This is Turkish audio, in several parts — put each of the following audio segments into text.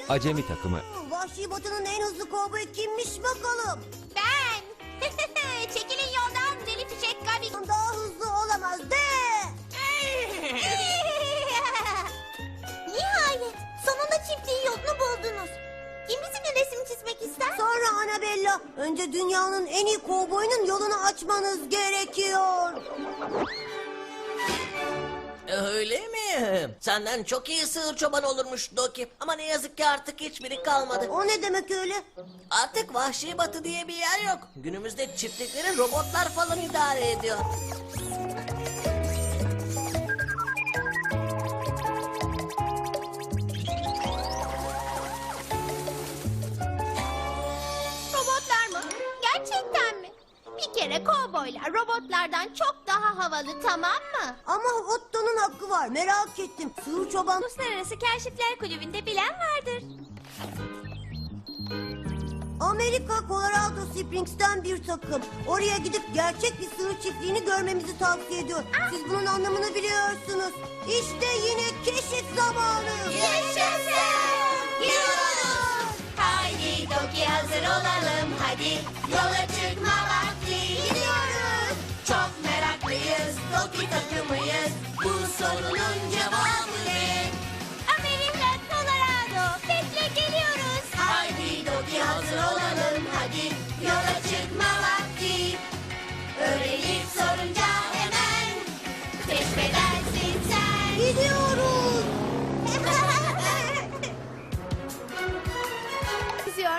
Acemi takımı. Vahşi Batı'nın en hızlı kovboyu kimmiş bakalım? Ben. Çekilin yoldan deli fişek Gabi. Daha hızlı olamaz de. Nihayet sonunda çiftliğin yolunu buldunuz. Kim bizimle resim çizmek ister? Sonra Annabella, önce dünyanın en iyi kovboyunun yolunu açmanız gerekiyor. Öyle mi? Senden çok iyi sığır çoban olurmuş Doki. Ama ne yazık ki artık hiçbiri kalmadı. O ne demek öyle? Artık Vahşi Batı diye bir yer yok. Günümüzde çiftlikleri robotlar falan idare ediyor. Robotlar mı? Gerçekten mi? Bir kere kovboylar robotlardan çok daha havalı, tamam mı? Ama Otto'nun hakkı var, merak ettim. Sığır çoban... Uluslararası Keşifler Kulübü'nde bilen vardır. Amerika Colorado Springs'ten bir takım. Oraya gidip gerçek bir sığır çiftliğini görmemizi tavsiye ediyor. Siz bunun anlamını biliyorsunuz. İşte yine keşif zamanı. Yaşasın! Gidiyoruz! Haydi Doki hazır olalım, hadi yola çıkma vakti. Gidiyoruz! Çok meraklıyız, Doki takımıyız. Bu sorunun cevabı ne? Amerika, Colorado, bekle geliyoruz. Haydi Doki hazır olalım, hadi yola çıkma vakti. Öğrenip sorunca hemen keşfedersin sen. Gidiyoruz. Kızıyor.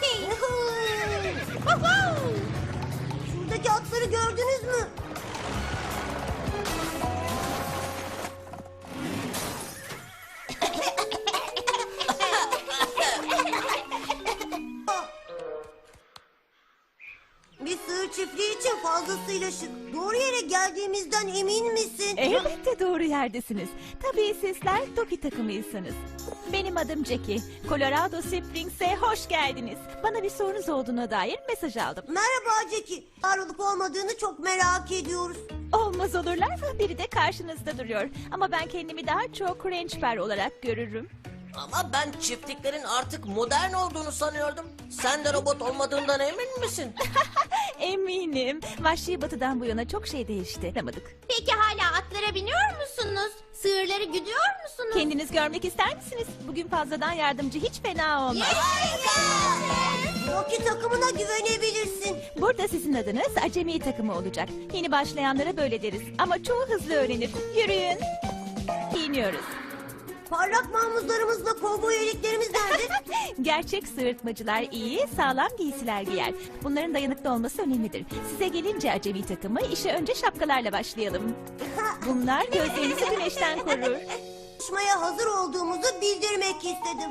Şuradaki atları gördünüz mü? Bir sığır çiftliği için fazlasıyla şık. Doğru yere geldiğimizden emin misin? Elbette doğru yerdesiniz. Tabii sizler Doki takımıysanız. Benim adım Jackie. Colorado Springs'e hoş geldiniz. Bana bir sorunuz olduğuna dair mesaj aldım. Merhaba Jackie. Var olup olmadığını çok merak ediyoruz. Olmaz olurlar mı? Biri de karşınızda duruyor. Ama ben kendimi daha çok ranchber olarak görürüm. Ama ben çiftliklerin artık modern olduğunu sanıyordum. Sen de robot olmadığından emin misin? Eminim. Vahşi Batı'dan bu yana çok şey değişti. Anlamadık. Peki hala atlara biniyor musunuz? Sığırları güdüyor musunuz? Kendiniz görmek ister misiniz? Bugün fazladan yardımcı hiç fena olmaz. Rocky takımına güvenebilirsin. Burada sizin adınız acemi takımı olacak. Yeni başlayanlara böyle deriz. Ama çoğu hızlı öğrenir. Yürüyün. Giyiniyoruz. Parlak mamuzlarımızla kovboy eliklerimiz nerede? Gerçek sığırtmacılar iyi, sağlam giysiler giyer. Bunların dayanıklı olması önemlidir. Size gelince acemi takımı işe önce şapkalarla başlayalım. Bunlar gözlerinizi güneşten korur. Çalışmaya hazır olduğumuzu bildirmek istedim.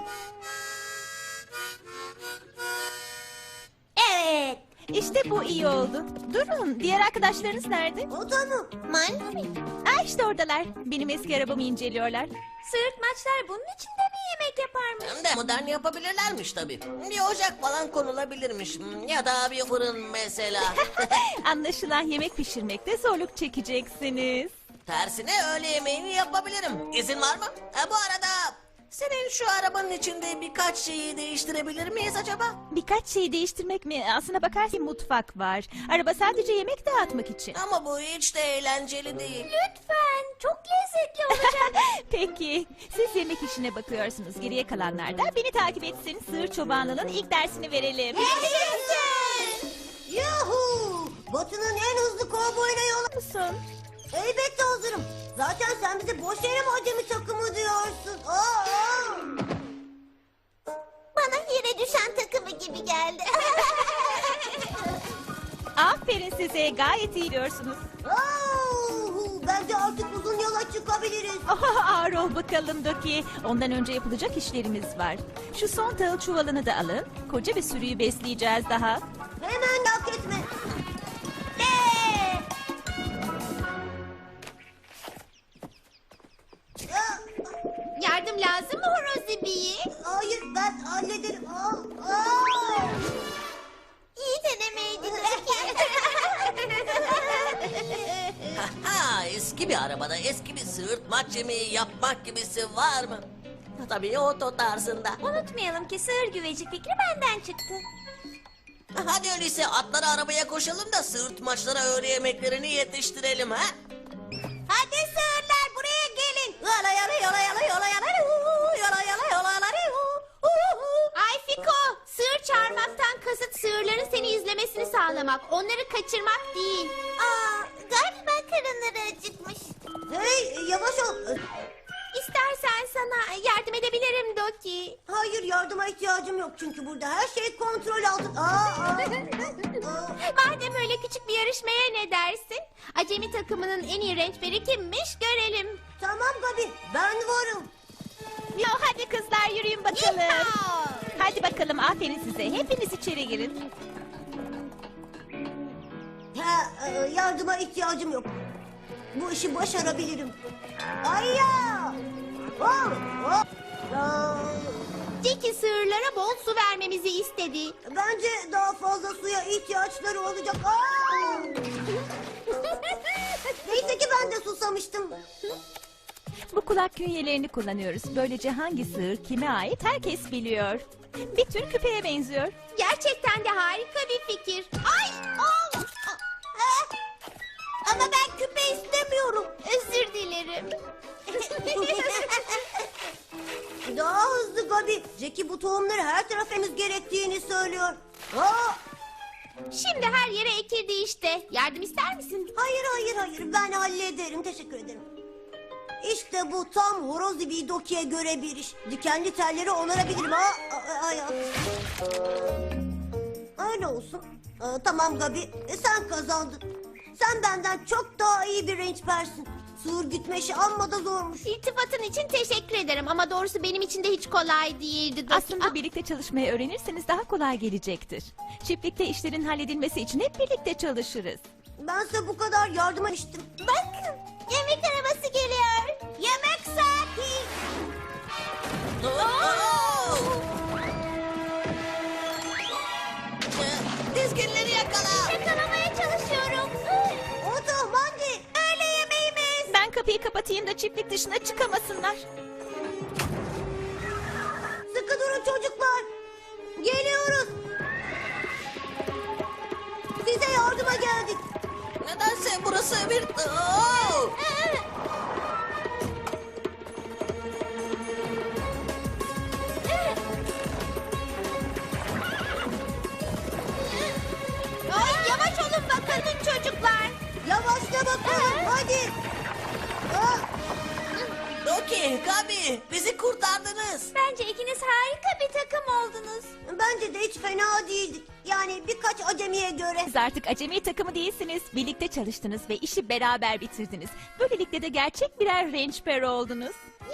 Evet. İşte bu iyi oldu. Durun, diğer arkadaşlarınız nerede? O da mı? Manfred. Aa, işte oradalar. Benim eski arabamı inceliyorlar. Sığırtmaçlar bunun içinde mi yemek yaparmış? Hem de modern yapabilirlermiş tabii. Bir ocak falan konulabilirmiş. Ya da bir fırın mesela. Anlaşılan yemek pişirmekte zorluk çekeceksiniz. Tersine öğle yemeğini yapabilirim. İzin var mı? Bu arada senin şu arabanın içinde birkaç şeyi değiştirebilir miyiz acaba? Birkaç şeyi değiştirmek mi? Aslına bakarsan mutfak var. Araba sadece yemek dağıtmak için. Ama bu hiç de eğlenceli değil. Lütfen. Çok lezzetli olacak. Peki, siz yemek işine bakıyorsunuz. Geriye kalanlar da beni takip etsin. Sığır çobanlığının ilk dersini verelim. Yuhu! Batı'nın en hızlı kovboyuna yola... Musun? Elbette hazırım. Zaten sen bize boş yere mi acemi takımı diyorsun? Aa! Bana yere düşen takımı gibi geldi. Aferin size, gayet iyi diyorsunuz. Bence artık uzun yola çıkabiliriz. Ağır ol bakalım Doki. Ondan önce yapılacak işlerimiz var. Şu son tahıl çuvalını da alın. Koca bir sürüyü besleyeceğiz daha. Hemen yak etme. Yardım lazım mı Horozi Bey? Hayır, ben hallederim. Aa! İyi denemeydi. Ha, eski bir arabada eski bir sığırtmaç yemeği yapmak gibisi var mı? tabii oto tarzında. Unutmayalım ki sığır güveci fikri benden çıktı. Hadi öyleyse atları arabaya koşalım da sığırtmaçlara öğle yemeklerini yetiştirelim ha. Hadi sığırlar buraya gelin. Yola yola yola yola yola yola yola yola yola yola. Ay Fiko, sığır çağırmaktan kasıt sığırların seni izlemesini sağlamak, onları kaçırmak değil. Aa, galiba karınları acıkmış. Hey yavaş ol. İstersen sana yardım edebilirim Doki. Hayır yardıma ihtiyacım yok çünkü burada her şey kontrol altında. Aa. Madem öyle küçük bir yarışmaya ne dersin? Acemi takımının en iyi rençberi kimmiş görelim. Tamam Gabi ben varım. Yo hadi kızlar yürüyün bakalım. Yeehaw! Hadi bakalım aferin size. Hepiniz içeri girin. Yardıma ihtiyacım yok. Bu işi başarabilirim. Ayya! Oh, oh. Jackie sığırlara bol su vermemizi istedi. Bence daha fazla suya ihtiyaçları olacak. Aa! Neyse ki ben de susamıştım. Bu kulak künyelerini kullanıyoruz. Böylece hangi sığır kime ait herkes biliyor. Bir tür küpeye benziyor. Gerçekten de harika bir fikir. Ay! Oh! Ama ben küpe istemiyorum. Özür dilerim. Daha hızlı Gabi. Jackie bu tohumları her tarafa ekmemiz gerektiğini söylüyor. Aa! Şimdi her yere ekildi işte. Yardım ister misin? Hayır hayır hayır ben hallederim teşekkür ederim. İşte bu tam horoz gibi Doki'ye göre bir iş. Dikenli telleri onarabilirim. Öyle olsun. Tamam Gabi sen kazandın. Sen benden çok daha iyi bir rençpersin. Sığır gütme işi amma da zormuş. İltifatın için teşekkür ederim ama doğrusu benim için de hiç kolay değildi. Doki. Aslında birlikte çalışmayı öğrenirseniz daha kolay gelecektir. Çiftlikte işlerin halledilmesi için hep birlikte çalışırız. Bense bu kadar yardıma içtim. Bakın yemek arabası geliyor. Yemek saati. Dizginleri yakala. Yakalamaya çalışıyorum. Oto Mandi. Öğle yemeğimiz. Ben kapıyı kapatayım da çiftlik dışına çıkamasınlar. Sıkı durun çocuklar. Geliyoruz. Size yardıma geldik. Nedense burası bir... Oo! Ay, yavaş olun bakalım çocuklar. Yavaşla bakalım hadi. Aa, Doki, Gabi bizi kurtardınız. Bence ikiniz harika bir takım oldunuz. bence de hiç fena değildik. Yani birkaç acemiye göre. Siz artık acemi takımı değilsiniz. Birlikte çalıştınız ve işi beraber bitirdiniz. Böylelikle de gerçek birer rençper oldunuz.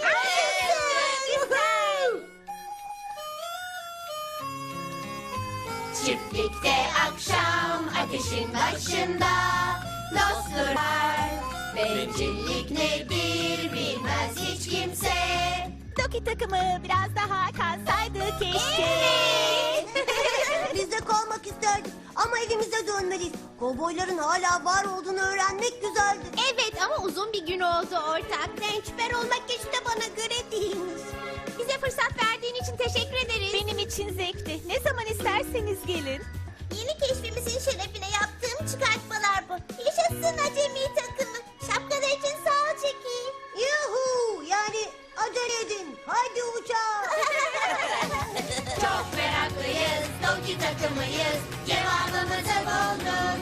Çiftlikte akşam ateşin başında dostlar. Bencillik nedir bilmez hiç kimse. Doki takımı biraz daha kalsaydı keşke. Biz de kalmak isterdik ama evimize dönmeliyiz. Kovboyların hala var olduğunu öğrenmek güzeldi. Evet ama uzun bir gün oldu ortak. Rençper olmak hiç de bana göre değilmiş. Bize fırsat verdiğin için teşekkür ederiz. Benim için zevkti. Ne zaman isterseniz gelin. Yeni keşfimizin şerefine yaptığım çıkartmalar bu. Yaşasın acemi takımı. Şapkalar için sağ ol Jackie. Yuhu yani acele edin. Haydi uçağa. Çok meraklıyız, Doki takımıyız. Cevabımızı bulduk.